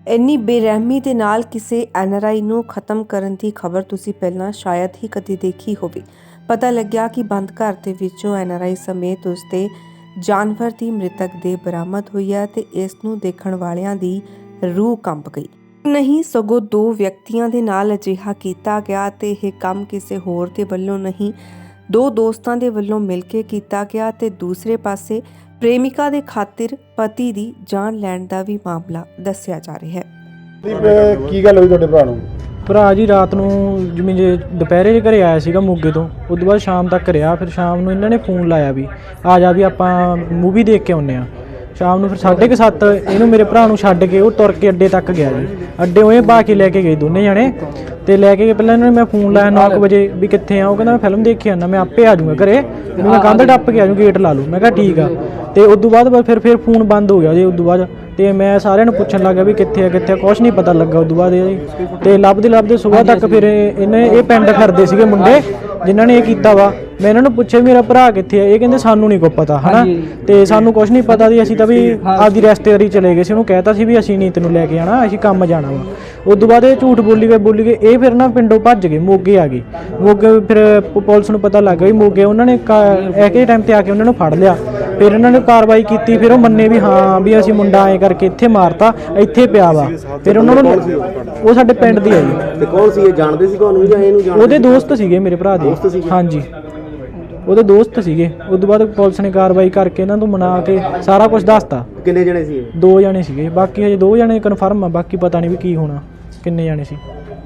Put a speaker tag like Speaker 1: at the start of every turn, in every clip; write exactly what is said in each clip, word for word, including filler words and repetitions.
Speaker 1: ਇੰਨੀ ਬੇਰਹਿਮੀ ਦੇ ਨਾਲ ਕਿਸੇ ਐਨ ਆਰ ਆਈ ਨੂੰ ਖਤਮ ਕਰਨ ਦੀ ਖਬਰ ਤੁਸੀਂ ਪਹਿਲਾਂ ਸ਼ਾਇਦ ਹੀ ਕਦੇ ਦੇਖੀ ਹੋਵੇ। ਪਤਾ ਲੱਗਿਆ ਕਿ ਬੰਦ ਘਰ ਦੇ ਵਿੱਚੋਂ ਐਨ ਆਰ ਆਈ ਸਮੇਤ ਉਸਦੇ ਜਾਨਵਰ ਦੀ ਮ੍ਰਿਤਕ ਦੇਹ ਬਰਾਮਦ ਹੋਈ ਹੈ ਤੇ ਇਸ ਨੂੰ ਦੇਖਣ ਵਾਲਿਆਂ ਦੀ ਰੂਹ ਕੰਬ ਗਈ। ਨਹੀਂ ਸਗੋਂ ਦੋ ਵਿਅਕਤੀਆਂ ਦੇ ਨਾਲ ਅਜਿਹਾ ਕੀਤਾ ਗਿਆ ਤੇ ਇਹ ਕੰਮ ਕਿਸੇ ਹੋਰ ਦੇ ਵੱਲੋਂ ਨਹੀਂ, ਦੋ ਦੋਸਤਾਂ ਦੇ ਵੱਲੋਂ ਮਿਲ ਕੇ ਕੀਤਾ ਗਿਆ ਤੇ ਦੂਸਰੇ ਪਾਸੇ ਪ੍ਰੇਮਿਕਾ ਦੇ ਖਾਤਰ ਪਤੀ ਦੀ ਜਾਨ ਲੈਣ ਦਾ ਵੀ ਮਾਮਲਾ ਦੱਸਿਆ ਜਾ ਰਿਹਾ ਹੈ।
Speaker 2: ਕੀ ਗੱਲ ਹੋਈ ਤੁਹਾਡੇ ਭਰਾ ਨੂੰ?
Speaker 3: ਭਰਾ ਜੀ ਰਾਤ ਨੂੰ ਜਿਵੇਂ ਜੇ ਦੁਪਹਿਰੇ ਜੇ ਘਰੇ ਆਇਆ ਸੀਗਾ ਮੋਗੇ ਤੋਂ, ਉਸ ਤੋਂ ਬਾਅਦ ਸ਼ਾਮ ਤੱਕ ਰਿਹਾ। ਫਿਰ ਸ਼ਾਮ ਨੂੰ ਇਹਨਾਂ ਨੇ ਫੋਨ ਲਾਇਆ ਵੀ ਆ ਜਾ ਵੀ ਆਪਾਂ ਮੂਵੀ ਦੇਖ ਕੇ ਆਉਂਦੇ ਹਾਂ। ਸ਼ਾਮ ਨੂੰ ਫਿਰ ਸਾਢੇ ਕੁ ਸੱਤ ਇਹਨੂੰ ਮੇਰੇ ਭਰਾ ਨੂੰ ਛੱਡ ਕੇ ਉਹ ਤੁਰ ਕੇ ਅੱਡੇ ਤੱਕ ਗਿਆ ਜੀ। ਅੱਡੇ ਉਹ ਪਾ ਕੇ ਲੈ ਕੇ ਗਏ ਦੋਨੇ ਜਣੇ ਤੇ ਲੈ ਕੇ ਪਹਿਲਾਂ ਇਹਨਾਂ ਨੇ ਮੈਂ ਫੋਨ ਲਾਇਆ ਨੌ ਕੁ ਵਜੇ ਵੀ ਕਿੱਥੇ ਆ। ਉਹ ਕਹਿੰਦਾ ਮੈਂ ਫਿਲਮ ਦੇਖੀ ਆਉਂਦਾ, ਮੈਂ ਆਪੇ ਆ ਜਾਊਂਗਾ ਘਰੇ, ਮੈਂ ਕੰਧ ਟੱਪ ਕੇ ਆ ਜਾਊਂ, ਗੇਟ ਲਾ ਲੂ। ਮੈਂ ਕਿਹਾ ਠੀਕ ਆ। ਤੇ ਉਸ ਤੋਂ ਬਾਅਦ ਫਿਰ ਫਿਰ ਫੋਨ ਬੰਦ ਹੋ ਗਿਆ ਜੀ। ਉਸ ਤੋਂ ਬਾਅਦ ਤੇ ਮੈਂ ਸਾਰਿਆਂ ਨੂੰ ਪੁੱਛਣ ਲੱਗਾ ਵੀ ਕਿੱਥੇ ਆ ਕਿੱਥੇ ਆ, ਕੁਛ ਨਹੀਂ ਪਤਾ ਲੱਗਾ। ਉਸ ਤੋਂ ਬਾਅਦ ਇਹ ਤੇ ਲੱਭਦੇ ਲੱਭਦੇ ਸਵੇਰ ਤੱਕ ਫਿਰ ਇਹਨੇ ਇਹ ਪਿੰਡ ਫਿਰਦੇ ਸੀਗੇ ਮੁੰਡੇ ਜਿਨ੍ਹਾਂ ਨੇ ਇਹ ਕੀਤਾ ਵਾ। ਮੈਂ ਇਹਨਾਂ ਨੂੰ ਪੁੱਛਿਆ ਮੇਰਾ ਭਰਾ ਕਿੱਥੇ ਆ, ਇਹ ਕਹਿੰਦੇ ਸਾਨੂੰ ਨਹੀਂ ਕੋਈ ਪਤਾ ਹਨਾ, ਤੇ ਸਾਨੂੰ ਕੁਛ ਨਹੀਂ ਪਤਾ ਸੀ। ਅਸੀਂ ਤਾਂ ਵੀ ਆਪਦੀ ਰਿਸ਼ਤੇਦਾਰੀ ਚਲੇ ਗਏ ਸੀ। ਉਹਨੂੰ ਕਹਿਤਾ ਸੀ ਵੀ ਅਸੀਂ ਨਹੀਂ ਤੈਨੂੰ ਲੈ ਕੇ ਆਣਾ, ਅਸੀਂ ਕੰਮ ਜਾਣਾ ਵਾ। ਉਸ ਤੋਂ ਬਾਅਦ ਇਹ ਝੂਠ ਬੋਲੀ ਗਏ ਬੋਲੀ ਗਏ ਇਹ ਫਿਰ ਨਾ ਪਿੰਡੋਂ ਭੱਜ ਗਏ, ਮੋਗੇ ਆ ਗਏ। ਮੋਗੇ ਫਿਰ ਪੁਲਿਸ ਨੂੰ ਪਤਾ ਲੱਗ ਗਿਆ ਵੀ ਮੋਗੇ ਉਹਨਾਂ ਨੇ ਐਕੇ ਟਾਈਮ ਤੇ ਆ ਕੇ ਉਹਨਾਂ ਨੂੰ ਫੜ ਲਿਆ। ਫਿਰ ਇਹਨਾਂ ਨੇ ਕਾਰਵਾਈ ਕੀਤੀ। ਫਿਰ ਉਹ ਮੰਨੇ ਵੀ ਹਾਂ ਵੀ ਅਸੀਂ ਮੁੰਡਾ ਐਂ ਕਰਕੇ ਇੱਥੇ ਮਾਰਤਾ, ਇੱਥੇ ਪਿਆ ਵਾ। ਫਿਰ ਉਹਨਾਂ ਨੂੰ ਉਹ ਸਾਡੇ ਪਿੰਡ ਦੀ ਆ ਜੀ।
Speaker 2: ਤੇ ਕੌਣ ਸੀ ਇਹ, ਜਾਣਦੇ ਸੀ ਤੁਹਾਨੂੰ ਜਾਂ ਇਹਨੂੰ ਜਾਣਦੇ?
Speaker 3: ਉਹਦੇ ਦੋਸਤ ਸੀਗੇ ਮੇਰੇ ਭਰਾ ਦੇ। ਹਾਂਜੀ ਉਹਦੇ ਦੋਸਤ ਸੀਗੇ। ਉਸ ਤੋਂ ਬਾਅਦ ਪੁਲਿਸ ਨੇ ਕਾਰਵਾਈ ਕਰਕੇ ਇਹਨਾਂ ਨੂੰ ਮਨਾ ਕੇ ਸਾਰਾ ਕੁਝ ਦੱਸਤਾ।
Speaker 2: ਕਿੰਨੇ ਜਣੇ ਸੀ?
Speaker 3: ਦੋ ਜਣੇ ਸੀਗੇ, ਬਾਕੀ ਹਜੇ ਦੋ ਜਣੇ ਕਨਫਰਮ ਆ, ਬਾਕੀ ਪਤਾ ਨਹੀਂ ਵੀ ਕੀ ਹੋਣਾ, ਕਿੰਨੇ ਜਣੇ ਸੀ।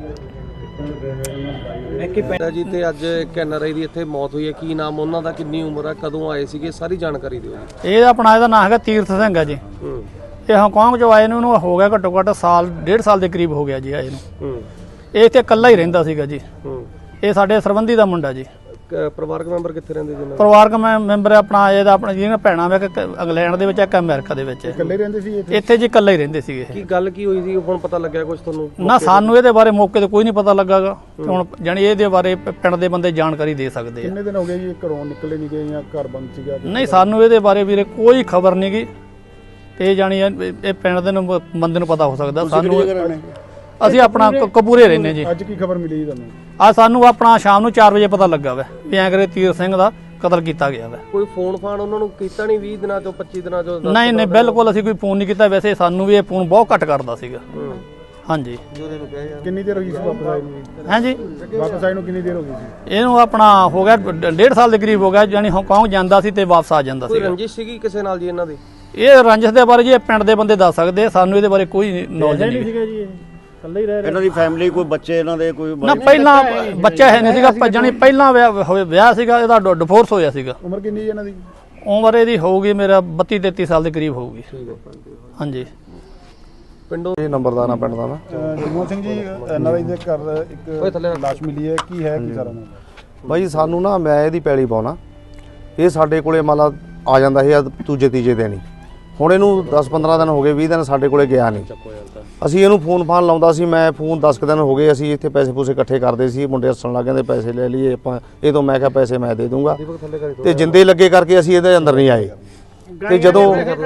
Speaker 4: ਜੀ ਤੇ ਅੱਜ ਇੱਕ ਐਨ ਆਰ ਆਈ ਦੀ ਇੱਥੇ ਮੌਤ ਹੋਈ ਹੈ, ਕੀ ਨਾਮ ਉਹਨਾਂ ਦਾ, ਕਿੰਨੀ ਉਮਰ ਹੈ, ਕਦੋਂ ਆਏ ਸੀਗੇ, ਸਾਰੀ ਜਾਣਕਾਰੀ ਦਿਓ ਜੀ।
Speaker 5: ਇਹ ਆਪਣਾ ਇਹਦਾ ਨਾਮ ਹੈਗਾ ਤੀਰਥ ਸਿੰਘ ਹੈ ਜੀ। ਇਹ ਹਾਂਗਕਾਂਗ ਚੋਂ ਆਏ ਨੂੰ ਇਹਨੂੰ ਹੋ ਗਿਆ ਘੱਟੋ ਘੱਟ ਸਾਲ ਡੇਢ ਸਾਲ ਦੇ ਕਰੀਬ ਹੋ ਗਿਆ ਜੀ ਆਏ ਨੂੰ। ਇਹ ਇੱਥੇ ਇਕੱਲਾ ਹੀ ਰਹਿੰਦਾ ਸੀਗਾ ਜੀ। ਇਹ ਸਾਡੇ ਸਰਬੰਧੀ ਦਾ ਮੁੰਡਾ ਜੀ।
Speaker 4: ਪਰਿਵਾਰਕ ਮੈਂਬਰ ਕਿੱਥੇ ਰਹਿੰਦੇ ਜੀ?
Speaker 5: ਪਰਿਵਾਰਕ ਮੈਂਬਰ ਆਪਣਾ ਇਹਦਾ ਆਪਣਾ ਜਿਹੜੀਆਂ ਭੈਣਾਂ ਵਾ, ਇੱਕ ਇੰਗਲੈਂਡ ਦੇ ਵਿੱਚ, ਇੱਕ ਅਮਰੀਕਾ ਦੇ ਵਿੱਚ।
Speaker 2: ਇਕੱਲੇ ਰਹਿੰਦੇ ਸੀ ਇੱਥੇ?
Speaker 5: ਇੱਥੇ ਜੀ ਇਕੱਲੇ ਹੀ ਰਹਿੰਦੇ ਸੀਗੇ।
Speaker 4: ਕੀ ਗੱਲ ਕੀ ਹੋਈ ਸੀ, ਹੁਣ ਪਤਾ ਲੱਗਿਆ ਕੁਝ ਤੁਹਾਨੂੰ?
Speaker 5: ਨਾ ਸਾਨੂੰ ਇਹਦੇ ਬਾਰੇ ਮੌਕੇ ਤੇ ਕੋਈ ਨਹੀਂ ਪਤਾ ਲੱਗਾਗਾ। ਹੁਣ ਜਾਨੀ ਇਹਦੇ ਬਾਰੇ ਪਿੰਡ ਦੇ ਬੰਦੇ ਜਾਣਕਾਰੀ ਦੇ ਸਕਦੇ ਆ।
Speaker 2: ਕਿੰਨੇ ਦਿਨ ਹੋ ਗਏ ਜੀ ਘਰੋਂ ਨਿਕਲੇ ਨਹੀਂ ਗਏ ਜਾਂ ਘਰ ਬੰਦ ਸੀਗਾ?
Speaker 5: ਨਹੀਂ ਸਾਨੂੰ ਇਹਦੇ ਬਾਰੇ ਵੀਰੇ ਕੋਈ ਖਬਰ ਨਹੀਂ ਗੀ। ਇਹ ਜਾਨੀ ਇਹ ਪਿੰਡ ਦੇ ਨੂੰ ਬੰਦੇ ਨੂੰ ਪਤਾ ਹੋ ਸਕਦਾ। ਸਾਨੂੰ ਅਸੀਂ ਆਪਣਾ ਕਪੂਰੇ ਰਹਿੰਦੇ ਜੀ।
Speaker 2: ਅੱਜ ਕੀ ਖਬਰ ਮਿਲੀ ਤੁਹਾਨੂੰ?
Speaker 5: ਆ ਸਾਨੂੰ ਆਪਣਾ ਸ਼ਾਮ ਨੂੰ ਚਾਰ ਵਜੇ ਪਤਾ ਲੱਗਾ ਵਾ ਵੀ ਐਂ ਕਰੇ ਤੀਰ ਸਿੰਘ ਦਾ ਕਤਲ ਕੀਤਾ ਗਿਆ ਵਾ।
Speaker 4: ਕੋਈ ਫੋਨ ਫਾਨ ਉਹਨਾਂ ਨੂੰ ਕੀਤਾ ਨਹੀਂ ਵੀਹ ਦਿਨਾਂ ਚੋਂ ਪੱਚੀ ਦਿਨਾਂ ਚੋਂ?
Speaker 5: ਨਹੀਂ ਨਹੀਂ ਬਿਲਕੁਲ ਅਸੀਂ ਕੋਈ ਫੋਨ ਨਹੀਂ ਕੀਤਾ। ਵੈਸੇ ਸਾਨੂੰ ਵੀ ਇਹ ਫੋਨ ਬਹੁਤ ਘੱਟ ਕਰਦਾ ਸੀਗਾ। ਹਾਂਜੀ।
Speaker 2: ਕਿੰਨੀ ਦੇਰ ਹੋ ਗਈ ਸੀ ਵਾਪਸ ਆਏ ਨੂੰ?
Speaker 5: ਹਾਂਜੀ
Speaker 2: ਵਾਪਸ ਆਏ ਨੂੰ ਕਿੰਨੀ ਦੇਰ ਹੋ ਗਈ ਸੀ?
Speaker 5: ਇਹਨੂੰ ਆਪਣਾ ਹੋ ਗਿਆ ਡੇਢ ਸਾਲ ਦੇ ਕਰੀਬ ਹੋ ਗਿਆ। ਜਾਨੀ ਹਾਂਗਕਾਂਗ ਜਾਂਦਾ ਸੀ ਤੇ ਵਾਪਸ ਆ ਜਾਂਦਾ ਸੀ।
Speaker 4: ਕੋਈ ਰੰਜਿਸ਼ ਸੀਗੀ ਕਿਸੇ ਨਾਲ ਜੀ ਇਹਨਾਂ ਦੀ?
Speaker 5: ਇਹ ਰੰਜਿਸ਼ ਦੇ ਬਾਰੇ ਜੀ ਪਿੰਡ ਦੇ ਬੰਦੇ ਦੱਸ ਸਕਦੇ, ਸਾਨੂੰ ਇਹਦੇ ਬਾਰੇ ਕੋਈ ਨੌਲੇਜ ਨਹੀਂ ਸੀਗਾ ਜੀ।
Speaker 3: ਇਕੱਲੇ ਹੀ ਰਹਿ ਰਹੇ।
Speaker 6: ਇਹਨਾਂ ਦੀ ਫੈਮਿਲੀ ਕੋਈ ਬੱਚੇ ਇਹਨਾਂ ਦੇ ਕੋਈ
Speaker 5: ਨਾ ਪਹਿਲਾਂ ਬੱਚਾ ਹੈ ਨਹੀਂ ਸੀਗਾ, ਜਾਨੀ ਪਹਿਲਾਂ ਵਿਆਹ ਵਿਆਹ ਸੀਗਾ ਇਹਦਾ, ਡਿਵੋਰਸ ਹੋਇਆ ਸੀਗਾ।
Speaker 2: ਉਮਰ ਕਿੰਨੀ ਇਹਨਾਂ ਦੀ?
Speaker 5: ਉਮਰ ਇਹਦੀ ਹੋਊਗੀ ਮੇਰਾ ਬੱਤੀ ਤੇਤੀ ਸਾਲ ਦੇ ਕਰੀਬ ਹੋਊਗੀ। ਹਾਂਜੀ।
Speaker 4: ਪਿੰਡੋਂ
Speaker 7: ਇਹ ਨੰਬਰਦਾਰ ਪਿੰਡ ਦਾ ਮੈਂ।
Speaker 2: ਜਗਮੋਹਨ ਸਿੰਘ ਜੀ, ਐਨ ਆਰ ਆਈ ਦੇ ਘਰ ਇੱਕ ਲਾਸ਼ ਮਿਲੀ ਹੈ, ਕੀ ਹੈ ਕੀ ਸਾਰਾ?
Speaker 7: ਬਾਈ ਸਾਨੂੰ ਨਾ ਮੈਂ ਇਹਦੀ ਪੈਲੀ ਪਾਉਣਾ, ਇਹ ਸਾਡੇ ਕੋਲੇ ਮੰਨ ਲਾ ਆ ਜਾਂਦਾ ਸੀ ਦੂਜੇ ਤੀਜੇ ਦਿਨ ਹੀ। ਹੁਣ ਇਹਨੂੰ ਦਸ ਪੰਦਰਾਂ ਦਿਨ ਹੋ ਗਏ, ਵੀਹ ਦਿਨ ਸਾਡੇ ਕੋਲੇ ਗਿਆ ਨਹੀਂ। ਅਸੀਂ ਇਹਨੂੰ ਫੋਨ ਫਾਨ ਲਾਉਂਦਾ ਸੀ, ਮੈਂ ਫੋਨ ਦਸ ਕੁ ਦਿਨ ਹੋ ਗਏ ਅਸੀਂ ਇੱਥੇ ਪੈਸੇ ਪੂਸੇ ਇਕੱਠੇ ਕਰਦੇ ਸੀ। ਮੁੰਡੇ ਹੱਸਣ ਲੱਗ ਜਾਂਦੇ ਪੈਸੇ ਲੈ ਲਈਏ ਆਪਾਂ ਇਹ ਤੋਂ। ਮੈਂ ਕਿਹਾ ਪੈਸੇ ਮੈਂ ਦੇ ਦੂੰਗਾ ਤੇ ਜਿੰਦੇ ਲੱਗੇ ਕਰਕੇ ਅਸੀਂ ਇਹਦੇ ਅੰਦਰ ਨਹੀਂ ਆਏ। ਤੇ ਜਦੋਂ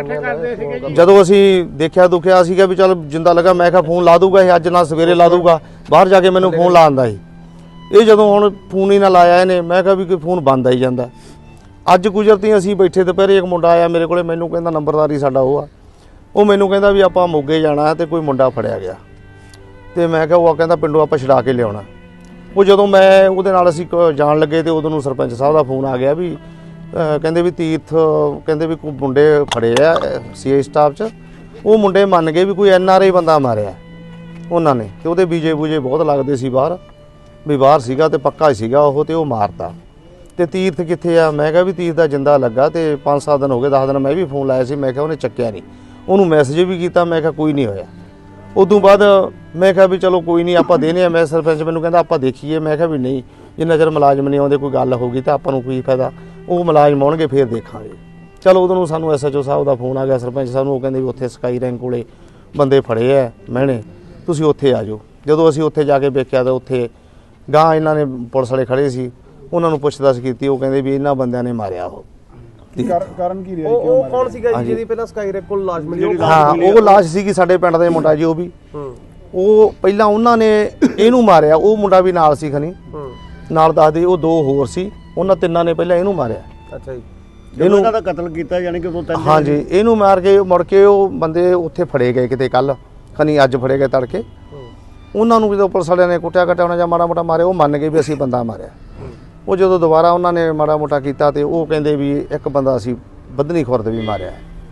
Speaker 7: ਜਦੋਂ ਅਸੀਂ ਦੇਖਿਆ ਦੁਖਿਆ ਸੀਗਾ ਵੀ ਚੱਲ ਜਿੰਦਾ ਲੱਗਾ, ਮੈਂ ਕਿਹਾ ਫੋਨ ਲਾ ਦੂਗਾ ਇਹ, ਅੱਜ ਨਾ ਸਵੇਰੇ ਲਾ ਦੂਗਾ। ਬਾਹਰ ਜਾ ਕੇ ਮੈਨੂੰ ਫੋਨ ਲਾ ਆਂਦਾ ਸੀ ਇਹ। ਜਦੋਂ ਹੁਣ ਫੋਨ ਹੀ ਨਾ ਲਾਇਆ ਇਹਨੇ, ਮੈਂ ਕਿਹਾ ਵੀ ਕੋਈ ਫੋਨ ਬੰਦ ਆਈ ਜਾਂਦਾ। ਅੱਜ ਗੁਜ਼ਰਤੀ ਅਸੀਂ ਬੈਠੇ ਦੁਪਹਿਰੇ ਇੱਕ ਮੁੰਡਾ ਆਇਆ ਮੇਰੇ ਕੋਲੇ, ਮੈਨੂੰ ਕਹਿੰਦਾ ਨੰਬਰਦਾਰੀ ਸਾਡਾ ਉਹ ਆ। ਉਹ ਮੈਨੂੰ ਕਹਿੰਦਾ ਵੀ ਆਪਾਂ ਮੋਗੇ ਜਾਣਾ ਤੇ ਕੋਈ ਮੁੰਡਾ ਫੜਿਆ ਗਿਆ। ਤੇ ਮੈਂ ਕਿਹਾ ਉਹ ਕਹਿੰਦਾ ਪਿੰਡੋਂ ਆਪਾਂ ਛਡਾ ਕੇ ਲਿਆਉਣਾ। ਉਹ ਜਦੋਂ ਮੈਂ ਉਹਦੇ ਨਾਲ ਅਸੀਂ ਜਾਣ ਲੱਗੇ ਤੇ ਉਦੋਂ ਨੂੰ ਸਰਪੰਚ ਸਾਹਿਬ ਦਾ ਫੋਨ ਆ ਗਿਆ ਵੀ ਕਹਿੰਦੇ ਵੀ ਤੀਰਥ ਕਹਿੰਦੇ ਵੀ ਕੋਈ ਮੁੰਡੇ ਫੜੇ ਆ ਸੀ ਆਈ ਸਟਾਫ 'ਚ। ਉਹ ਮੁੰਡੇ ਮੰਨ ਗਏ ਵੀ ਕੋਈ ਐਨ ਆਰ ਆਈ ਬੰਦਾ ਮਾਰਿਆ ਉਹਨਾਂ ਨੇ, ਤੇ ਉਹਦੇ ਬੀਜੇ ਬੂਜੇ ਬਹੁਤ ਲੱਗਦੇ ਸੀ ਬਾਹਰ, ਵੀ ਬਾਹਰ ਸੀਗਾ ਤੇ ਪੱਕਾ ਹੀ ਸੀਗਾ ਉਹ, ਤੇ ਉਹ ਮਾਰਤਾ। ਤੇ ਤੀਰਥ ਕਿੱਥੇ ਆ? ਮੈਂ ਕਿਹਾ ਵੀ ਤੀਰਥ ਦਾ ਜਿੰਦਾ ਲੱਗਾ। ਤੇ ਪੰਜ ਸੱਤ ਦਿਨ ਹੋ ਗਏ, ਦਸ ਦਿਨ ਮੈਂ ਵੀ ਫੋਨ ਲਾਇਆ ਸੀ, ਮੈਂ ਕਿਹਾ ਉਹਨੇ ਚੱਕਿਆ ਨਹੀਂ। ਉਹਨੂੰ ਮੈਸੇਜ ਵੀ ਕੀਤਾ, ਮੈਂ ਕਿਹਾ ਕੋਈ ਨਹੀਂ ਹੋਇਆ। ਉਦੋਂ ਬਾਅਦ ਮੈਂ ਕਿਹਾ ਵੀ ਚਲੋ ਕੋਈ ਨਹੀਂ ਆਪਾਂ ਦੇਣੇ ਆ। ਮੈਂ ਸਰਪੰਚ ਮੈਨੂੰ ਕਹਿੰਦਾ ਆਪਾਂ ਦੇਖੀਏ। ਮੈਂ ਕਿਹਾ ਵੀ ਨਹੀਂ, ਜਿੰਨਾ ਚਿਰ ਮੁਲਾਜ਼ਮ ਨਹੀਂ ਆਉਂਦੇ ਕੋਈ ਗੱਲ ਹੋਊਗੀ ਤਾਂ ਆਪਾਂ ਨੂੰ ਕੋਈ ਫਾਇਦਾ, ਉਹ ਮੁਲਾਜ਼ਮ ਆਉਣਗੇ ਫਿਰ ਦੇਖਾਂਗੇ। ਚਲੋ ਉਦੋਂ ਨੂੰ ਸਾਨੂੰ ਐਸ ਐਚ ਓ ਸਾਹਿਬ ਦਾ ਫੋਨ ਆ ਗਿਆ, ਸਰਪੰਚ ਸਾਹਿਬ ਨੂੰ। ਉਹ ਕਹਿੰਦੇ ਵੀ ਉੱਥੇ ਸਕਾਈ ਰੈਂਕ ਕੋਲੇ ਬੰਦੇ ਫੜੇ ਐ ਮਹਿਣੇ, ਤੁਸੀਂ ਉੱਥੇ ਆ ਜਾਓ। ਜਦੋਂ ਅਸੀਂ ਉੱਥੇ ਜਾ ਕੇ ਵੇਖਿਆ ਤਾਂ ਉੱਥੇ ਗਾਂ ਇਹਨਾਂ ਨੇ ਪੁਲਿਸ ਵਾਲੇ ਖੜੇ ਸੀ, ਉਹਨਾਂ ਨੂੰ ਪੁੱਛ ਦੱਸ ਕੀਤੀ। ਉਹ ਕਹਿੰਦੇ ਵੀ ਇਹਨਾਂ ਬੰਦਿਆਂ ਨੇ ਮਾਰਿਆ ਉਹ।
Speaker 2: ਕਾਰ- ਕਾਰਨ ਕੀ ਰਿਹਾ ਜੀ,
Speaker 4: ਉਹ
Speaker 2: ਕਿਉਂ
Speaker 4: ਉਹ
Speaker 2: ਮਾਰਿਆ?
Speaker 4: ਕੌਣ ਸੀਗਾ ਜੀ ਜਿਹਦੀ ਪਹਿਲਾਂ ਸਕਾਈਰੈਕ ਕੋਲ ਲਾਸ਼ ਮਿਲੀ ਉਹ
Speaker 7: ਹਾਂ ਉਹ ਲਾਸ਼ ਸੀਗੀ ਸਾਡੇ ਪਿੰਡ ਦੇ ਮੁੰਡਾ ਜੀ ਉਹ ਵੀ
Speaker 4: ਹੂੰ
Speaker 7: ਉਹ ਪਹਿਲਾਂ ਉਹਨਾਂ ਨੇ ਇਹਨੂੰ ਮਾਰਿਆ, ਉਹ ਮੁੰਡਾ ਵੀ ਨਾਲ ਸੀ ਖਨੀ
Speaker 4: ਹੂੰ
Speaker 7: ਨਾਲ ਦੱਸਦੇ ਉਹ ਦੋ ਹੋਰ ਸੀ, ਉਹਨਾਂ ਤਿੰਨਾਂ ਨੇ ਪਹਿਲਾਂ ਇਹਨੂੰ ਮਾਰਿਆ।
Speaker 4: ਅੱਛਾ ਜੀ
Speaker 6: ਜਦੋਂ ਇਹਨਾਂ ਦਾ ਕਤਲ ਕੀਤਾ ਯਾਨੀ ਕਿ ਉਦੋਂ ਤੱਕ
Speaker 7: ਹਾਂਜੀ ਇਹਨੂੰ ਮਾਰ ਕੇ ਮੁੜ ਕੇ ਉਹ ਬੰਦੇ ਉੱਥੇ ਫੜੇ ਗਏ ਕਿਤੇ ਕੱਲ ਖਨੀ ਅੱਜ ਫੜੇ ਗਏ ਤੜਕੇ। ਉਹਨਾਂ ਨੂੰ ਜਦੋਂ ਪੁਲਿਸ ਵਾਲਿਆਂ ਨੇ ਕੁੱਟਿਆ ਕਟਿਆ ਉਹਨਾਂ ਜਾਂ ਮਾੜਾ ਮੋਟਾ ਮਾਰਿਆ, ਉਹ ਮੰਨ ਗਏ ਵੀ ਅਸੀਂ ਬੰਦਾ ਮਾਰਿਆ। ਉਹ ਜਦੋਂ ਦੁਬਾਰਾ ਉਹਨਾਂ ਨੇ ਮਾੜਾ ਮੋਟਾ ਕੀਤਾ ਤੇ ਉਹ ਕਹਿੰਦੇ ਵੀ ਇੱਕ ਬੰਦਾ ਅਸੀਂ ਬੱਧਨੀ ਖੁਰਦ ਵੀ ਮਾਰਿਆ,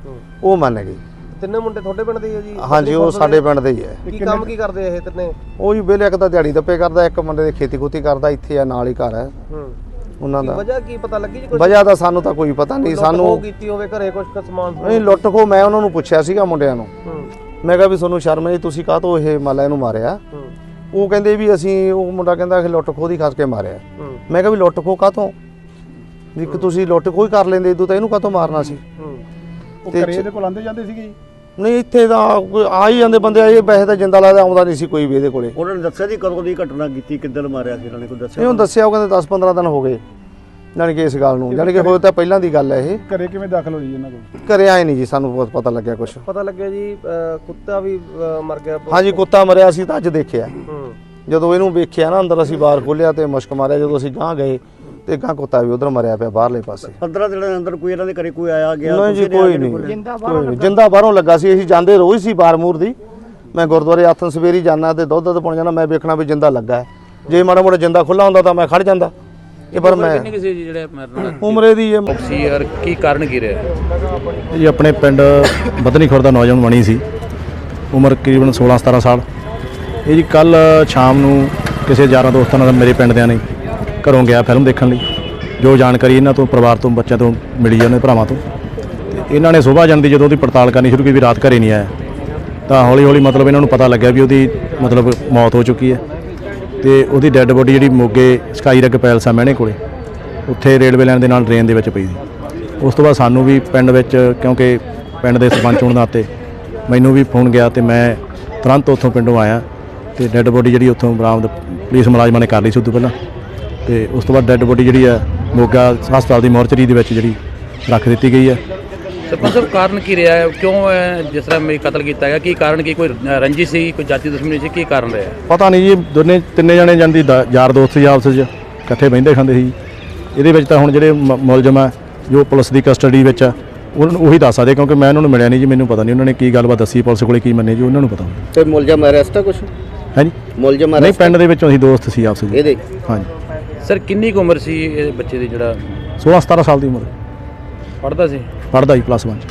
Speaker 7: ਉਹ ਮੰਨ ਗਏ।
Speaker 4: ਤਿੰਨੇ ਮੁੰਡੇ ਤੁਹਾਡੇ ਪਿੰਡ ਦੇ ਹੀ ਆ ਜੀ?
Speaker 7: ਹਾਂਜੀ ਉਹ ਸਾਡੇ ਪਿੰਡ ਦੇ ਹੀ ਹੈ।
Speaker 4: ਕੀ ਕੰਮ ਕੀ ਕਰਦੇ ਆ ਇਹ ਤਿੰਨੇ?
Speaker 7: ਉਹ ਜੀ ਵੇਲੇ ਇੱਕ ਤਾਂ ਦਿਹਾੜੀ ਦੱਪੇ ਕਰਦਾ, ਇੱਕ ਮੁੰਡੇ ਦੇ ਖੇਤੀ ਖੂਤੀ ਕਰਦਾ, ਇੱਥੇ ਆ ਨਾਲ ਹੀ ਘਰ ਹੈ
Speaker 4: ਹੂੰ
Speaker 7: ਉਹਨਾਂ
Speaker 4: ਕੀ
Speaker 7: ਦਾ।
Speaker 4: ਵਜ੍ਹਾ ਕੀ ਪਤਾ ਲੱਗੀ ਜੀ ਕੁਝ?
Speaker 7: ਵਜ੍ਹਾ ਤਾਂ ਸਾਨੂੰ ਤਾਂ ਕੋਈ ਪਤਾ ਨਹੀਂ, ਸਾਨੂੰ
Speaker 4: ਉਹ ਕੀਤੀ ਹੋਵੇ ਘਰੇ ਕੁਝ ਸਮਾਨ
Speaker 7: ਨਹੀਂ ਲੁੱਟ ਖੋ। ਮੈਂ ਉਹਨਾਂ ਨੂੰ ਪੁੱਛਿਆ ਸੀਗਾ ਮੁੰਡਿਆਂ ਨੂੰ,
Speaker 4: ਹੂੰ
Speaker 7: ਮੈਂ ਕਿਹਾ ਵੀ ਤੁਹਾਨੂੰ ਸ਼ਰਮ ਨਹੀਂ, ਤੁਸੀਂ ਕਾਹ ਤੋਂ ਇਹ ਮਾਲਾ ਇਹਨੂੰ ਮਾਰਿਆ?
Speaker 4: ਹੂੰ
Speaker 7: ਉਹ ਕਹਿੰਦੇ ਵੀ ਅਸੀਂ, ਉਹ ਮੁੰਡਾ ਕਹਿੰਦਾ ਕਿ ਲੁੱਟ ਖੋਹ ਦੀ ਖਾਸ ਕੇ ਮਾਰਿਆ।
Speaker 4: ਹੂੰ
Speaker 7: ਮੈਂ ਕਿਹਾ ਵੀ ਲੁੱਟ ਖੋਹ ਕਾਹ ਤੋਂ, ਵੀ ਕਿ ਤੁਸੀਂ ਲੁੱਟ ਖੋਹ ਹੀ ਕਰ ਲੈਂਦੇ, ਇਦੋਂ ਤਾਂ ਇਹਨੂੰ ਕਾਹ ਤੋਂ ਮਾਰਨਾ ਸੀ?
Speaker 4: ਹੂੰ
Speaker 2: ਉਹ ਘਰੇ ਇਹਦੇ ਕੋਲ ਆਂਦੇ ਜਾਂਦੇ ਸੀਗੇ ਜੀ?
Speaker 7: ਨਹੀਂ ਇੱਥੇ ਤਾਂ ਕੋਈ ਆ ਹੀ ਜਾਂਦੇ ਬੰਦੇ, ਇਹ ਵੈਸੇ ਤਾਂ ਜਿੰਦਾ ਲੱਗਦਾ ਆਉਂਦਾ ਨਹੀਂ ਸੀ ਕੋਈ ਵੀ ਇਹਦੇ ਕੋਲੇ।
Speaker 6: ਉਹਨਾਂ ਨੇ ਦੱਸਿਆ ਜੀ ਕਦੋਂ ਦੀ ਘਟਨਾ ਕੀਤੀ, ਕਿੱਦਣ ਮਾਰਿਆ ਸੀ ਇਹਨਾਂ ਨੇ, ਕੋਈ ਦੱਸਿਆ?
Speaker 7: ਇਹਨੂੰ ਦੱਸਿਆ, ਉਹ ਕਹਿੰਦੇ ਦਸ ਪੰਦਰਾਂ ਦਿਨ ਹੋ ਗਏ ਜਾਣੀ ਕਿ ਇਸ ਗੱਲ ਨੂੰ, ਜਾਣੀ ਕਿ ਹੋਏ ਤਾਂ ਪਹਿਲਾਂ ਦੀ ਗੱਲ ਹੈ ਇਹ।
Speaker 2: ਘਰੇ ਕਿਵੇਂ ਦਾਖਲ ਹੋਈ ਇਹਨਾਂ ਕੋਲ?
Speaker 7: ਘਰੇ ਆਏ ਨਹੀਂ ਜੀ, ਸਾਨੂੰ ਬਹੁਤ ਪਤਾ ਲੱਗਿਆ ਕੁਛ।
Speaker 4: ਪਤਾ ਲੱਗਿਆ ਜੀ ਅਹ, ਕੁੱਤਾ ਵੀ ਅਹ, ਮਰ ਗਿਆ।
Speaker 7: ਹਾਂਜੀ ਕੁੱਤਾ ਮਰਿਆ ਸੀ ਤਾਂ ਅੱਜ ਦੇਖਿਆ।
Speaker 4: ਹੂੰ
Speaker 7: ਜਦੋਂ ਇਹਨੂੰ ਵੇਖਿਆ ਨਾ ਅੰਦਰ, ਅਸੀਂ ਬਾਹਰ ਖੋਲਿਆ ਤੇ ਮੁਸ਼ਕ ਮਾਰਿਆ, ਜਦੋਂ ਅਸੀਂ ਗਾਂ ਗਏ ਤੇ ਗਾਂ ਕੁੱਤਾ ਵੀ ਉਧਰ ਮਰਿਆ ਪਿਆ ਬਾਹਰਲੇ ਪਾਸੇ।
Speaker 6: ਪੰਦਰਾਂ ਦਿਨਾਂ ਦੇ ਅੰਦਰ ਕੋਈ ਇਹਨਾਂ ਦੇ ਘਰੇ ਕੋਈ ਆਇਆ ਗਿਆ?
Speaker 7: ਨਹੀਂ ਜੀ
Speaker 6: ਤੁਸੀਂ
Speaker 7: ਕੋਈ ਨਹੀਂ, ਕੋਈ ਨਹੀਂ। ਜਿੰਦਾ ਬਾਹਰੋਂ ਲੱਗਾ ਸੀ, ਅਸੀਂ ਜਾਂਦੇ ਰੋਜ਼ ਸੀ ਬਾਰਮੂਰ ਦੀ। ਮੈਂ ਗੁਰਦੁਆਰੇ ਆਥਨ ਸਵੇਰੀ ਜਾਣਾ ਤੇ ਦੁੱਧ ਦੁੱਧ ਪਾਉਣ ਜਾਣਾ, ਮੈਂ ਵੇਖਣਾ ਵੀ ਜਿੰਦਾ ਲੱਗਾ ਹੈ। ਜੇ ਮਾੜਾ ਮੋਟਾ ਜਿੰਦਾ ਖੁੱਲਾ ਹੁੰਦਾ ਤਾਂ ਮੈਂ ਖੜ ਜਾਂਦਾ। ਇਹ ਪਰ ਮੈਂ
Speaker 8: ਕਿੰਨੇ ਕਿਸੇ ਜਿਹੜੇ ਮਰਨ
Speaker 7: ਉਮਰੇ ਦੀ ਇਹ
Speaker 8: ਸੀ ਯਾਰ ਕੀ ਕਾਰਨ ਕੀ ਰਿਹਾ?
Speaker 9: ਜੀ ਆਪਣੇ ਪਿੰਡ ਬੱਧਨੀ ਖੁਰਦ ਦਾ ਨੌਜਵਾਨ ਬਣੀ ਸੀ, ਉਮਰ ਤਕਰੀਬਨ ਸੋਲਾਂ ਸਤਾਰਾਂ ਸਾਲ। ਇਹ ਜੀ ਕੱਲ ਸ਼ਾਮ ਨੂੰ ਕਿਸੇ ਯਾਰਾਂ ਦੋਸਤਾਂ ਨਾਲ ਮੇਰੇ ਪਿੰਡ ਦਿਆਂ ਨੇ ਘਰੋਂ ਗਿਆ ਫਿਲਮ ਦੇਖਣ ਲਈ। ਜੋ ਜਾਣਕਾਰੀ ਇਹਨਾਂ ਤੋਂ ਪਰਿਵਾਰ ਤੋਂ ਬੱਚਿਆਂ ਤੋਂ ਮਿਲੀ ਹੈ, ਉਹਨਾਂ ਦੇ ਭਰਾਵਾਂ ਤੋਂ, ਤੇ ਇਹਨਾਂ ਨੇ ਸੁਬਾਹ ਜਾਣ ਦੀ ਜਦੋਂ ਉਹਦੀ ਪੜਤਾਲ ਕਰਨੀ ਸ਼ੁਰੂ ਕੀਤੀ ਵੀ ਰਾਤ ਘਰੇ ਨਹੀਂ ਆਇਆ, ਤਾਂ ਹੌਲੀ ਹੌਲੀ ਮਤਲਬ ਇਹਨਾਂ ਨੂੰ ਪਤਾ ਲੱਗਿਆ ਵੀ ਉਹਦੀ ਮਤਲਬ ਮੌਤ ਹੋ ਚੁੱਕੀ ਹੈ। ਤੇ ਉਹਦੀ ਡੈੱਡ ਬੋਡੀ ਜਿਹੜੀ ਮੋਗੇ ਸਕਾਈਰੈਕ ਪੈਲਸ ਆ ਮਹਿਣੇ ਕੋਲੇ, ਉੱਥੇ ਰੇਲਵੇ ਲਾਈਨ ਦੇ ਨਾਲ ਡਰੇਨ ਦੇ ਵਿੱਚ ਪਈ ਸੀ। ਉਸ ਤੋਂ ਬਾਅਦ ਸਾਨੂੰ ਵੀ ਪਿੰਡ ਵਿੱਚ, ਕਿਉਂਕਿ ਪਿੰਡ ਦੇ ਸਰਪੰਚ ਹੋਣ ਦਾ ਨਾਤੇ ਮੈਨੂੰ ਵੀ ਫੋਨ ਗਿਆ ਤੇ ਮੈਂ ਤੁਰੰਤ ਉੱਥੋਂ ਪਿੰਡੋਂ ਆਇਆ ਤੇ ਡੈੱਡ ਬੋਡੀ ਜਿਹੜੀ ਉੱਥੋਂ ਬਰਾਮਦ ਪੁਲਿਸ ਮੁਲਾਜ਼ਮਾਂ ਨੇ ਕਰ ਲਈ ਸੀ ਉਦੋਂ ਪਹਿਲਾਂ। ਤੇ ਉਸ ਤੋਂ ਬਾਅਦ ਡੈੱਡ ਬੋਡੀ ਜਿਹੜੀ ਆ ਮੋਗਾ ਹਸਪਤਾਲ ਦੀ ਮੋਰਚਰੀ ਦੇ ਵਿੱਚ ਜਿਹੜੀ ਰੱਖ ਦਿੱਤੀ ਗਈ ਹੈ।
Speaker 8: ਸਰਪੰਚ ਸਾਹਿਬ ਕਾਰਨ ਕੀ ਰਿਹਾ ਹੈ? ਕਿਉਂ ਇਹ ਜਿਸ ਤਰ੍ਹਾਂ ਮੇਰੀ ਕਤਲ ਕੀਤਾ ਗਿਆ? ਕੀ ਕਾਰਨ ਕੀ? ਕੋਈ ਰੰਜਿਸ਼ ਸੀ, ਕੋਈ ਜਾਤੀ ਦੁਸ਼ਮਣੀ ਸੀ? ਕੀ ਕਾਰਨ ਰਿਹਾ?
Speaker 9: ਪਤਾ ਨਹੀਂ ਜੀ, ਦੋਨੇ ਤਿੰਨੇ ਜਣੇ ਜਾਂਦੀ ਯਾਰ ਦੋਸਤ ਸੀ, ਆਪਸ ਵਿੱਚ ਇਕੱਠੇ ਬਹਿੰਦੇ ਖਾਂਦੇ ਸੀ। ਇਹਦੇ ਵਿੱਚ ਤਾਂ ਹੁਣ ਜਿਹੜੇ ਮ- ਮੁਲਜ਼ਮ ਆ ਜੋ ਪੁਲਿਸ ਦੀ ਕਸਟਡੀ ਵਿੱਚ ਆ, ਉਹਨਾਂ ਨੂੰ ਉਹੀ ਦੱਸ ਸਕਦੇ, ਕਿਉਂਕਿ ਮੈਂ ਉਹਨਾਂ ਨੂੰ ਮਿਲਿਆ ਨਹੀਂ ਜੀ, ਮੈਨੂੰ ਪਤਾ ਨਹੀਂ ਉਹਨਾਂ ਨੇ ਕੀ ਗੱਲਬਾਤ ਦੱਸੀ, ਪੁਲਿਸ ਕੋਲੇ ਕੀ ਮੰਨੇ ਜੀ, ਉਹਨਾਂ ਨੂੰ ਪਤਾ।
Speaker 6: ਤੇ ਮੁਲਜ਼ਮ ਅਰੈਸਟ ਆ ਕੁਛ?
Speaker 9: ਹੈ ਜੀ
Speaker 6: ਮੁਲਜ਼ਮ
Speaker 9: ਨਹੀਂ, ਪਿੰਡ ਦੇ ਵਿੱਚੋਂ ਅਸੀਂ ਦੋਸਤ ਸੀ ਆਪਸ ਵਿੱਚ।
Speaker 6: ਇਹਦੇ
Speaker 9: ਹਾਂਜੀ
Speaker 8: ਸਰ ਕਿੰਨੀ ਕੁ ਉਮਰ ਸੀ ਇਹ ਬੱਚੇ ਦੀ ਜਿਹੜਾ
Speaker 9: ਸੋਲਾਂ ਸਤਾਰਾਂ ਸਾਲ ਦੀ ਉਮਰ,
Speaker 8: ਪੜ੍ਹਦਾ ਸੀ?
Speaker 9: ਪੜ੍ਹਦਾ ਜੀ ਪਲੱਸ ਵਨ 'ਚ।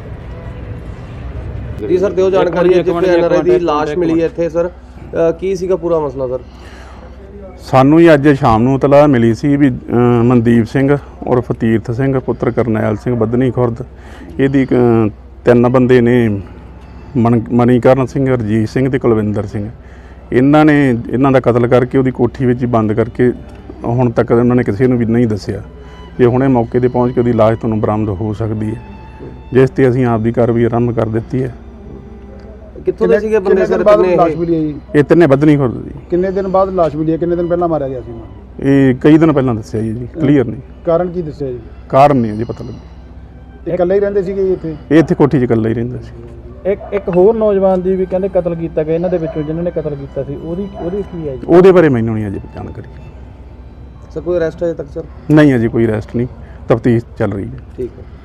Speaker 4: ਜੀ ਸਰ ਦਿਓ ਜਾਣਕਾਰੀ ਹੈ ਜਿੱਥੇ ਐਨਆਰਆਈ ਦੀ ਲਾਸ਼ ਮਿਲੀ ਹੈ ਇੱਥੇ ਸਰ, ਅਹ, ਕੀ ਸੀਗਾ ਪੂਰਾ ਮਸਲਾ ਸਰ?
Speaker 10: ਸਾਨੂੰ ਹੀ ਅੱਜ ਸ਼ਾਮ ਨੂੰ ਇਤਲਾਹ ਮਿਲੀ ਸੀ ਵੀ ਅ, ਮਨਦੀਪ ਸਿੰਘ ਉਰਫ ਤੀਰਥ ਸਿੰਘ ਪੁੱਤਰ ਕਰਨੈਲ ਸਿੰਘ ਬੱਧਨੀ ਖੁਰਦ, ਇਹਦੀ ਅ, ਤਿੰਨ ਬੰਦੇ ਨੇ ਮਣ ਮਣੀਕਰਨ ਸਿੰਘ, ਰਜੀਤ ਸਿੰਘ ਤੇ ਕੁਲਵਿੰਦਰ ਸਿੰਘ। ਇਹਨਾਂ ਨੇ ਇਹਨਾਂ ਦਾ ਕਤਲ ਕਰਕੇ ਉਹਦੀ ਕੋਠੀ ਵਿੱਚ ਹੀ ਬੰਦ ਕਰਕੇ ਹੁਣ ਤੱਕ ਉਹਨਾਂ ਨੇ ਕਿਸੇ ਨੂੰ ਵੀ ਨਹੀਂ ਦੱਸਿਆ। ਤੇ ਹੁਣੇ ਮੌਕੇ ਤੇ ਪਹੁੰਚ ਕੇ ਉਹਦੀ ਲਾਸ਼ ਤੁਹਾਨੂੰ ਬਰਾਮਦ ਹੋ ਸਕਦੀ ਹੈ, ਜਿਸ ਤੇ ਅਸੀਂ ਆਪ ਦੀ ਕਾਰਵਾਈ ਆਰੰਭ ਕਰ ਦਿੱਤੀ ਹੈ।
Speaker 4: ਕਿੱਥੋਂ ਦੇ ਸੀਗੇ ਬੰਦੇ ਸਰ?
Speaker 2: ਬਾਅਦ
Speaker 4: ਕਿੰਨੇ
Speaker 2: ਲਾਸ਼
Speaker 4: ਇਹ?
Speaker 2: ਮਿਲੀ ਹੈ ਜੀ?
Speaker 10: ਇਹ ਤਿੰਨੇ ਬੱਧਨੀ ਖੁਰਦ ਜੀ।
Speaker 2: ਕਿੰਨੇ ਦਿਨ ਬਾਅਦ ਲਾਸ਼ ਮਿਲੀ ਹੈ? ਕਿੰਨੇ ਦਿਨ ਪਹਿਲਾਂ ਮਾਰਿਆ ਗਿਆ ਸੀ ਇਹਨੂੰ?
Speaker 10: ਇਹ ਕਈ ਦਿਨ ਪਹਿਲਾਂ ਦੱਸਿਆ ਜੀ, ਕਲੀਅਰ ਨਹੀਂ,
Speaker 2: ਕਾਰਨ ਕੀ ਦੱਸਿਆ ਜੀ?
Speaker 10: ਕਾਰਨ ਨਹੀਂ ਜੀ ਪਤਾ ਲੱਗਾ।
Speaker 2: ਇਹ ਇਕੱਲੇ ਹੀ ਰਹਿੰਦੇ ਸੀਗੇ ਜੀ ਇੱਥੇ?
Speaker 10: ਇਹ ਇੱਥੇ ਕੋਠੀ 'ਚ ਇਕੱਲਾ ਹੀ ਰਹਿੰਦਾ ਸੀ।
Speaker 3: ਇੱਕ ਇੱਕ ਹੋਰ ਨੌਜਵਾਨ ਦੀ ਵੀ ਕਹਿੰਦੇ ਕਤਲ ਕੀਤਾ ਗਿਆ ਇਹਨਾਂ ਦੇ ਵਿੱਚੋਂ, ਜਿਨ੍ਹਾਂ ਨੇ ਕਤਲ ਕੀਤਾ ਸੀ, ਉਹਦੀ ਉਹਦੀ ਕੀ ਹੈ ਜੀ?
Speaker 10: ਉਹਦੇ ਬਾਰੇ ਮੈਨੂੰ ਨਹੀਂ ਅਜੇ ਜਾਣਕਾਰੀ।
Speaker 4: ਸਰ ਕੋਈ ਅਰੈਸਟ ਅਜੇ ਤੱਕ ਸਰ?
Speaker 10: ਨਹੀਂ ਅਜੇ ਕੋਈ ਅਰੈਸਟ ਨਹੀਂ, ਤਫਤੀਸ਼ ਚੱਲ ਰਹੀ ਹੈ।
Speaker 4: ਠੀਕ ਹੈ।